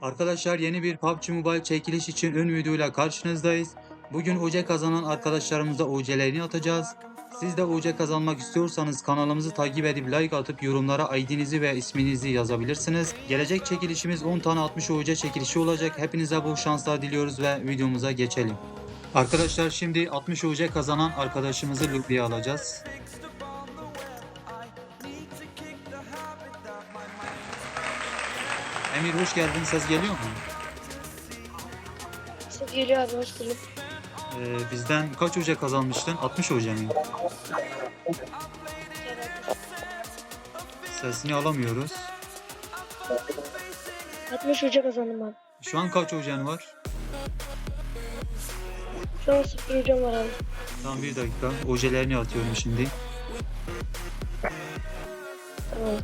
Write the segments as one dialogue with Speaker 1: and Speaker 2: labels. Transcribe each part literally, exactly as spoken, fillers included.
Speaker 1: Arkadaşlar yeni bir P U B G Mobile çekiliş için ön videoyla karşınızdayız. Bugün U C kazanan arkadaşlarımıza U C'lerini atacağız. Siz de U C kazanmak istiyorsanız kanalımızı takip edip like atıp yorumlara I D'nizi ve isminizi yazabilirsiniz. Gelecek çekilişimiz on tane altmış U C çekilişi olacak. Hepinize bol şanslar diliyoruz ve videomuza geçelim. Arkadaşlar şimdi altmış U C kazanan arkadaşımızı lobiye alacağız. Emir hoş geldin. Ses geliyor mu?
Speaker 2: Ses geliyor abi, hoş bulduk.
Speaker 1: Ee, bizden kaç U C kazanmıştın? altmış U C mi? Sesini alamıyoruz.
Speaker 2: altmış hoca kazandım abi.
Speaker 1: Şu an kaç U C'nin var?
Speaker 2: Şu an sıfır hocam var abi.
Speaker 1: Tamam bir dakika. U C'lerini atıyorum şimdi.
Speaker 2: Tamam.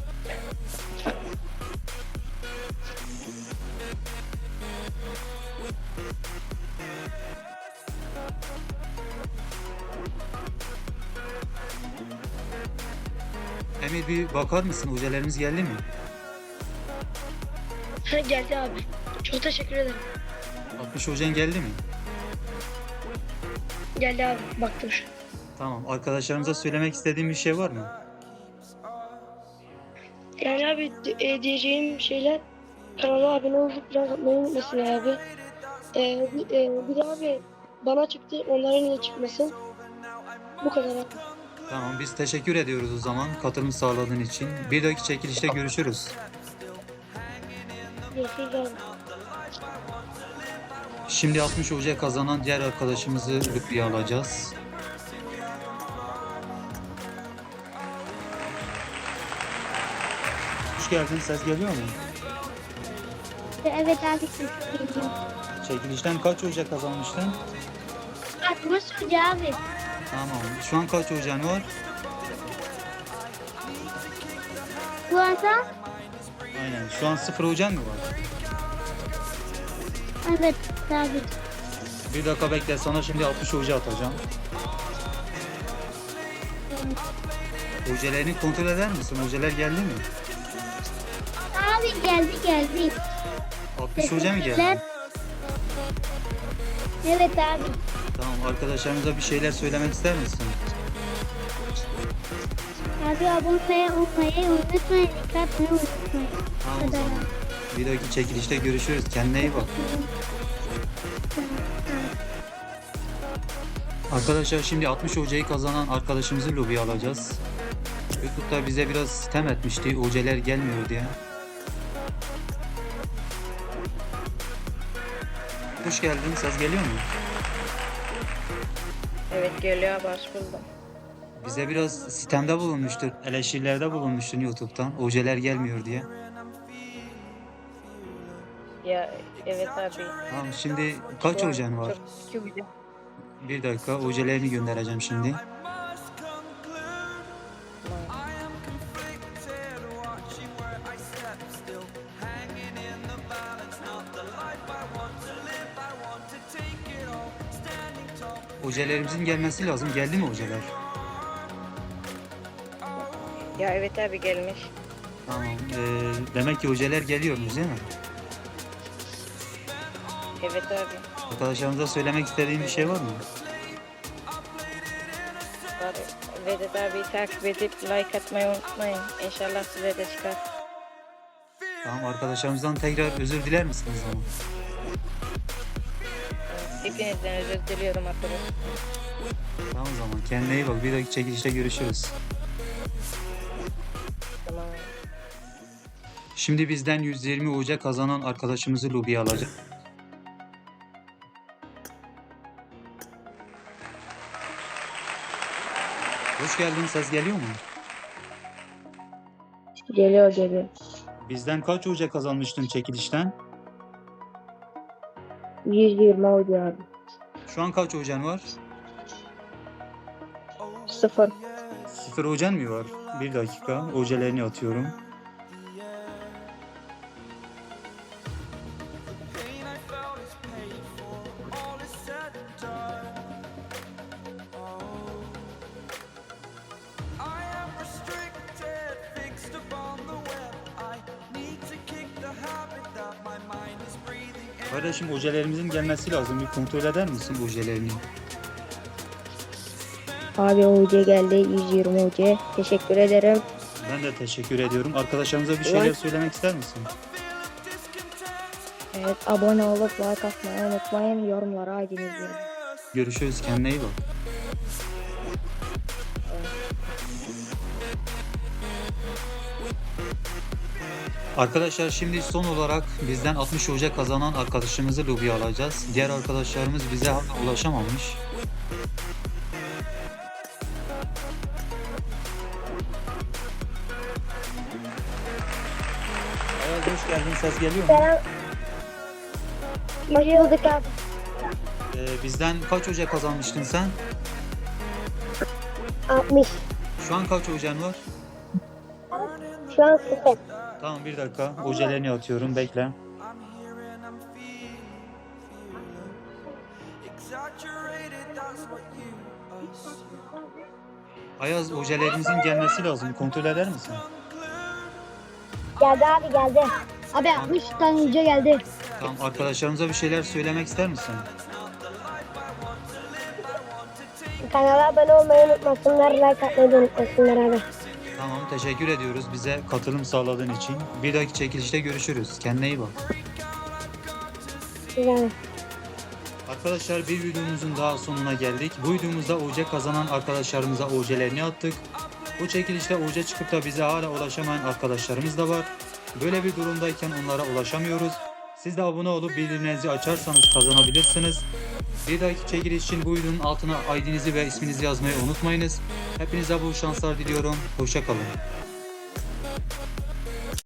Speaker 1: Emir bir bakar mısın? U C'lerimiz geldi mi?
Speaker 2: Ha, geldi abi. Çok teşekkür ederim.
Speaker 1: altmış U C'nin geldi mi?
Speaker 2: Geldi abi, baktım şu.
Speaker 1: Tamam. Arkadaşlarımıza söylemek istediğim bir şey var mı?
Speaker 2: Yani abi e, diyeceğim şeyler, kanala abone olup biraz atmayı unutmasın abi. E, bir, e, bir de abi bana çıktı, onlara niye çıkmasın? Bu kadar abi.
Speaker 1: Tamam biz teşekkür ediyoruz o zaman katılım sağladığın için. Bir dahaki çekilişte görüşürüz.
Speaker 2: Görüşürüz abi.
Speaker 1: Şimdi altmış U C kazanan diğer arkadaşımızı lobiye alacağız. Hoş geldin. Ses geliyor mu?
Speaker 3: Evet abi, ses geliyor.
Speaker 1: Çekilişten kaç U C kazanmıştın?
Speaker 3: altmış hoca abi.
Speaker 1: Tamam. Şu an kaç U C'nin var?
Speaker 3: Bu anda
Speaker 1: Aynen. Şu an sıfır U C'nin mi var?
Speaker 3: evet abi.
Speaker 1: Bir dakika bekle. Sana şimdi altmış U C atacağım. U C'lerini kontrol eder misin? U C'ler geldi mi?
Speaker 3: Abi geldi geldi.
Speaker 1: altmış U C mi geldi?
Speaker 3: Teşekkürler. Evet abi.
Speaker 1: Tamam. Arkadaşlarımıza bir şeyler söylemek ister misin?
Speaker 3: Abi abone olmayı unutmayın. Dikkat etmeyi unutmayın.
Speaker 1: Tamam o zaman. Bir dahaki çekilişte görüşürüz. Kendine iyi bak. Arkadaşlar şimdi altmış U C'yi kazanan arkadaşımızı lobiye alacağız. YouTube'da bize biraz sitem etmişti. U C'ler gelmiyor diye. Hoş geldin. Ses geliyor mu?
Speaker 4: Evet geliyor abi, hoş buldum.
Speaker 1: Bize biraz sitemde bulunmuştur. Eleştirilerde bulunmuştun YouTube'dan. U C'ler gelmiyor diye.
Speaker 4: Ya evet abi.
Speaker 1: Tamam şimdi kaç
Speaker 4: Şu an
Speaker 1: U C'nin var?
Speaker 4: Çok güzel.
Speaker 1: Bir dakika U C'lerini göndereceğim şimdi. U C'lerimizin gelmesi lazım. Geldi mi U C'ler?
Speaker 4: Ya evet abi, gelmiş.
Speaker 1: Tamam. Ee, demek ki U C'ler geliyormuş değil mi?
Speaker 4: Evet abi.
Speaker 1: Arkadaşlarımıza söylemek istediğin bir şey var mı?
Speaker 4: Var. Vedat abi takip edip like atmayı unutmayın. İnşallah size de çıkar.
Speaker 1: Tamam arkadaşlarımızdan tekrar özür diler misiniz ama?
Speaker 4: Hepinizden özür diliyorum arkadaşlar.
Speaker 1: Tamam o zaman kendine iyi bak. Bir dahaki çekilişte görüşürüz.
Speaker 4: Tamam.
Speaker 1: Şimdi bizden yüz yirmi U C kazanan arkadaşımızı lobiye alacak. Hoş geldin. Ses geliyor mu?
Speaker 4: Geliyor geliyor.
Speaker 1: Bizden kaç U C kazanmıştın çekilişten?
Speaker 4: yüz yirmi oldu abi.
Speaker 1: Şu an kaç U C'nin var?
Speaker 4: Sıfır.
Speaker 1: Sıfır U C'nin mi var? Bir dakika. U C'lerini atıyorum.
Speaker 5: Fixed upon the web, I need to kick the habit that my mind
Speaker 1: Kardeşim ojelerimizin gelmesi lazım. Bir kontrol eder misin ojelerini?
Speaker 4: Abi O C geldi. yüz yirmi O C. Teşekkür ederim.
Speaker 1: Ben de teşekkür ediyorum. Arkadaşlarımıza bir şeyler
Speaker 4: Evet.
Speaker 1: söylemek ister misin?
Speaker 4: Evet, abone olup like atmayı unutmayın. Yorumlara aydınız verin.
Speaker 1: Görüşürüz. Kendine iyi bak. Arkadaşlar şimdi son olarak bizden altmış hoca kazanan arkadaşımızı lobiye alacağız. Diğer arkadaşlarımız bize hala ulaşamamış. Ayaz hoş geldin. Ses geliyor mu?
Speaker 2: Hoş bulduk abi.
Speaker 1: Ee, bizden kaç hoca kazanmıştın sen?
Speaker 2: altmış.
Speaker 1: Şu an kaç hocan var?
Speaker 2: Şu an sıfır.
Speaker 1: Tamam bir dakika. Hocelerini atıyorum. Bekle. Ayaz hocelerimizin gelmesi lazım. Kontrol eder misin?
Speaker 2: Geldi abi geldi. Abi altmış tane hoca geldi.
Speaker 1: Tamam arkadaşlarımıza bir şeyler söylemek ister misin?
Speaker 2: Kanala abone olmayı unutmasınlar. Like atmayı da unutmasınlar abi.
Speaker 1: Tamam teşekkür ediyoruz bize katılım sağladığın için. Bir dahaki çekilişte görüşürüz. Kendine iyi bak.
Speaker 2: Güzel.
Speaker 1: Arkadaşlar bir videomuzun daha sonuna geldik. Bu videomuzda O C kazanan arkadaşlarımıza O C'lerini attık. Bu çekilişte O C çıkıp da bize hala ulaşamayan arkadaşlarımız da var. Böyle bir durumdayken onlara ulaşamıyoruz. Siz de abone olup bildirimlerinizi açarsanız kazanabilirsiniz. Bir dahaki çekiliş için bu videonun altına I D'nizi ve isminizi yazmayı unutmayınız. Hepinize bol şanslar diliyorum. Hoşça kalın.